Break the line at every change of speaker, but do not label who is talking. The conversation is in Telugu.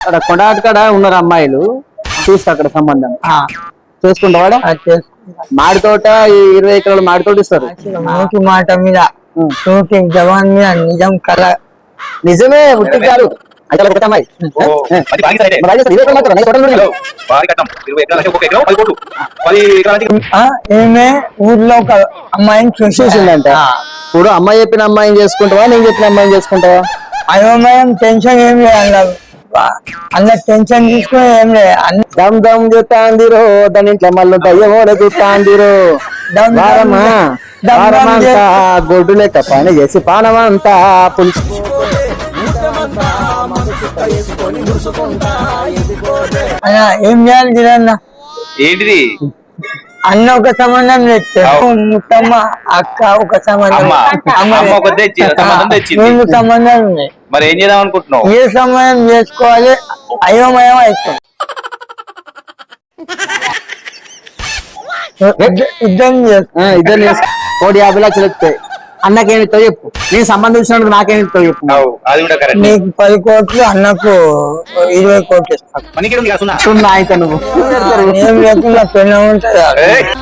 అక్కడ కొండాటకాడ ఉన్నారు అమ్మాయిలు చూస్తా అక్కడ సంబంధం చేసుకుంటావాడా మాడి తోట 20 ఎకరాలు మాడి తోట ఇస్తారు
నోటి మాట మీద నోటి జవాన్ మీద నిజం కళ
నిజమే ఉట్టి కాదు అయితే ఒకటే అమ్మాయి
ఏమే ఊర్లో ఒక అమ్మాయిని
చూసిందంట ఇప్పుడు అమ్మాయి చెప్పిన అమ్మాయిని చేసుకుంటావా నేను చెప్పిన అమ్మాయిని చేసుకుంటావా
అయోమయం టెన్షన్ ఏం లేదు అన్నారు అన్న టెన్షన్ తీసుకుని ఏం లేదు అన్ని
దమ్ దమ్ చూస్తాందిరో దాని ఇంట్లో మళ్ళీ దయ్యమోడ చూస్తాందిరో వారమంతా గొడ్డు లెక్క పని చేసి పానమంతా పులుసు
అన్న ఏం చేయాలి తిరన్న
ఏంటిది
అన్న ఒక సంబంధం తెచ్చాడు ముత్తమ్మ అక్క ఒక సంబంధం రెండు సంబంధాలు ఉన్నాయి
మరి ఏం చేద్దాం అనుకుంటున్నావు
ఏ సంబంధం చేసుకోవాలి అయోమయం అవుతుంది
ఇద్దరు 1,50 లక్షలు వస్తాయి అన్నకేమితో చెప్పు నేను సంబంధం ఇచ్చినందుకు నాకేమితో చెప్పు
నీకు 10 కోట్లు అన్నకు 20 కోట్లు ఇస్తాను
సున్నా అయితే నువ్వు
ఏం లేకుండా పెళ్ళ ఉంటుంది